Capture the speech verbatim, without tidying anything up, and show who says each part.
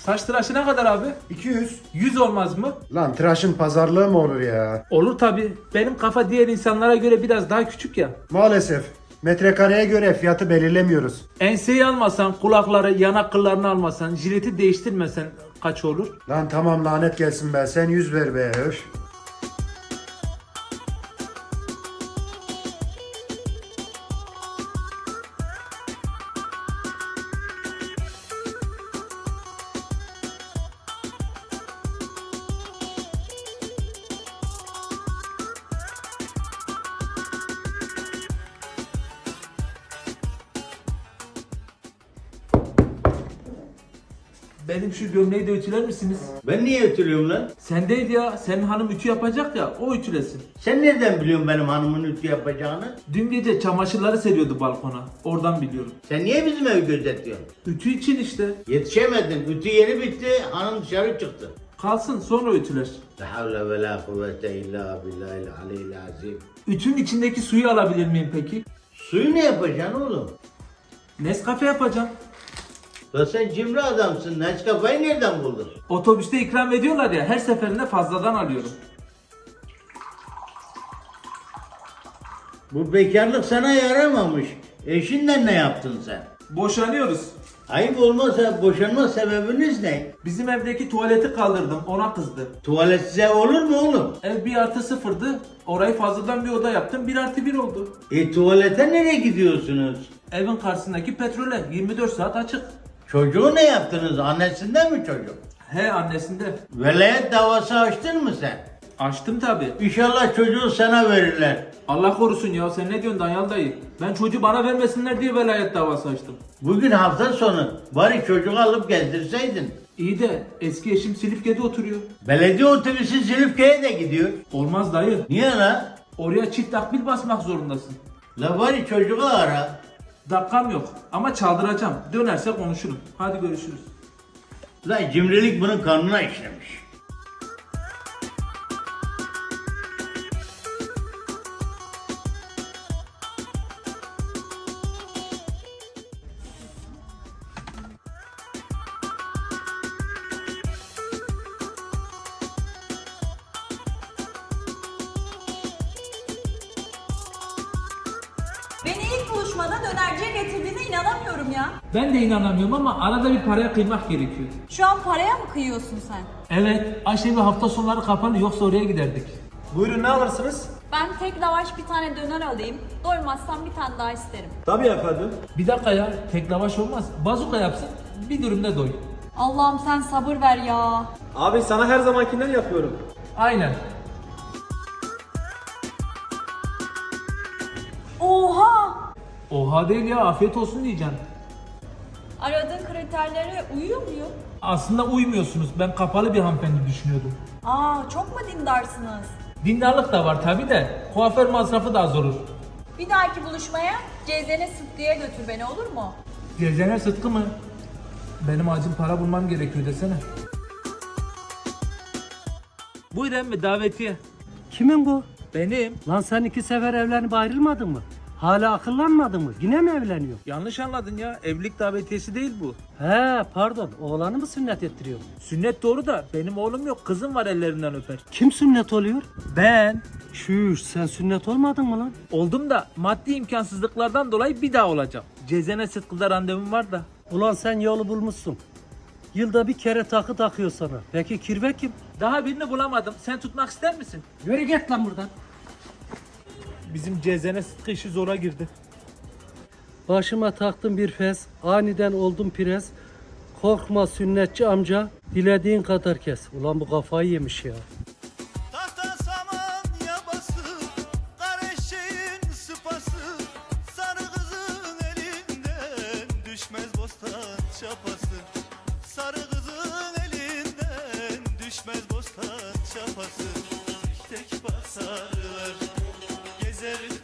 Speaker 1: Saç tıraşı ne kadar abi?
Speaker 2: iki yüz.
Speaker 1: yüz olmaz mı?
Speaker 2: Lan tıraşın pazarlığı mı olur ya?
Speaker 1: Olur tabi. Benim kafa diğer insanlara göre biraz daha küçük ya.
Speaker 2: Maalesef. Metrekareye göre fiyatı belirlemiyoruz.
Speaker 1: Enseyi almasan, kulakları, yanak kıllarını almasan, jileti değiştirmesen kaç olur?
Speaker 2: Lan tamam lanet gelsin be. Sen yüz ver be. Öf.
Speaker 1: Benim şu gömleği de ütüler misiniz?
Speaker 3: Ben niye ütülüyorum lan?
Speaker 1: Sen değil ya, senin hanım ütü yapacak ya, o ütülesin.
Speaker 3: Sen nereden biliyorsun benim hanımın ütü yapacağını?
Speaker 1: Dün gece çamaşırları seriyordu balkona, oradan biliyorum.
Speaker 3: Sen niye bizim evi gözetliyorsun?
Speaker 1: Ütü için işte.
Speaker 3: Yetişemedin. Ütü yeni bitti. Hanım dışarı çıktı.
Speaker 1: Kalsın sonra ütüler.
Speaker 3: La havle ve la kuvvete illa billahil aliyyil azim.
Speaker 1: Ütünün içindeki suyu alabilir miyim peki?
Speaker 3: Suyu ne yapacaksın oğlum?
Speaker 1: Nescafe yapacağım.
Speaker 3: La sen cimri adamsın. Nescafe'yi nereden buldun?
Speaker 1: Otobüste ikram ediyorlar ya, her seferinde fazladan alıyorum.
Speaker 3: Bu bekarlık sana yaramamış. Eşinle ne yaptın sen?
Speaker 1: Boşanıyoruz.
Speaker 3: Ayıp olmazsa boşanma sebebiniz ne?
Speaker 1: Bizim evdeki tuvaleti kaldırdım, ona kızdı.
Speaker 3: Tuvaletsiz ev olur mu oğlum?
Speaker 1: Ev bir artı sıfırdı, orayı fazladan bir oda yaptım, bir artı bir oldu.
Speaker 3: E tuvalete nereye gidiyorsunuz?
Speaker 1: Evin karşısındaki petrole yirmi dört saat açık.
Speaker 3: Çocuğu ne yaptınız? Annesinden mi çocuk?
Speaker 1: He, annesinde.
Speaker 3: Velayet davası açtın mı sen?
Speaker 1: Açtım tabi.
Speaker 3: İnşallah çocuğu sana verirler.
Speaker 1: Allah korusun ya, sen ne diyorsun Danyal dayı? Ben çocuğu bana vermesinler diye velayet davası açtım.
Speaker 3: Bugün hafta sonu bari çocuğu alıp gezdirseydin.
Speaker 1: İyi de eski eşim Silifke'de oturuyor.
Speaker 3: Belediye otobüsü Silifke'ye de gidiyor.
Speaker 1: Olmaz dayı.
Speaker 3: Niye la?
Speaker 1: Oraya çift akbil basmak zorundasın.
Speaker 3: La bari çocuğu ara.
Speaker 1: Dakikam yok ama çaldıracağım. Dönerse konuşurum. Hadi görüşürüz.
Speaker 3: La cimrilik bunun kanına işlemiş.
Speaker 4: Beni ilk buluşmada dönerciye getirdiğine inanamıyorum ya.
Speaker 1: Ben de inanamıyorum ama arada bir paraya kıymak gerekiyor.
Speaker 4: Şu an paraya mı kıyıyorsun sen?
Speaker 1: Evet, Ayşe bir hafta sonları kapanır yoksa oraya giderdik.
Speaker 2: Buyurun ne alırsınız?
Speaker 4: Ben tek lavaş bir tane döner alayım. Doymazsam bir tane daha isterim.
Speaker 2: Tabii efendim.
Speaker 1: Bir dakika ya, tek lavaş olmaz. Bazuka yapsın, bir dürümde doy.
Speaker 4: Allah'ım sen sabır ver ya.
Speaker 5: Abi sana her zamankinden yapıyorum.
Speaker 1: Aynen.
Speaker 4: Oha!
Speaker 1: Oha değil ya, afiyet olsun diyeceğim.
Speaker 4: Aradığın kriterlere uyuyor muyum?
Speaker 1: Aslında uymuyorsunuz. Ben kapalı bir hanımefendi düşünüyordum.
Speaker 4: Aa, çok mu dindarsınız?
Speaker 1: Dindarlık da var tabi de kuaför masrafı da az olur.
Speaker 4: Bir dahaki buluşmaya Cezene Sıtkı'ya götür beni, olur mu?
Speaker 1: Gezene Sıtkı mı? Benim acil para bulmam gerekiyor desene. Buyur emmi, davetiye.
Speaker 6: Kimin bu?
Speaker 1: Benim.
Speaker 6: Lan sen iki sefer evlenip ayrılmadın mı? Hala akıllanmadın mı? Yine mi evleniyor?
Speaker 1: Yanlış anladın ya. Evlilik davetiyesi değil bu.
Speaker 6: He pardon, oğlanı mı sünnet ettiriyor?
Speaker 1: Sünnet doğru da benim oğlum yok. Kızım var, ellerinden öper.
Speaker 6: Kim sünnet oluyor?
Speaker 1: Ben.
Speaker 6: Şuş, sen sünnet olmadın mı lan?
Speaker 1: Oldum da maddi imkansızlıklardan dolayı bir daha olacağım. Cezene Sıtkı'da randevum var da.
Speaker 6: Ulan sen yolu bulmuşsun. Yılda bir kere takı takıyor sana. Peki kirve kim?
Speaker 1: Daha birini bulamadım. Sen tutmak ister misin?
Speaker 6: Yürü git lan buradan.
Speaker 1: Bizim Cezene Sıtkı işi zora girdi.
Speaker 6: Başıma taktım bir fes, aniden oldum pires. Korkma sünnetçi amca, dilediğin kadar kes. Ulan bu kafayı yemiş ya.
Speaker 7: Tahta saman yabası, kara eşeğin sıpası, sarı kızın elinden düşmez bostan çapası. Sarı kızın elinden düşmez bostan çapası. Tek basarlar, gezer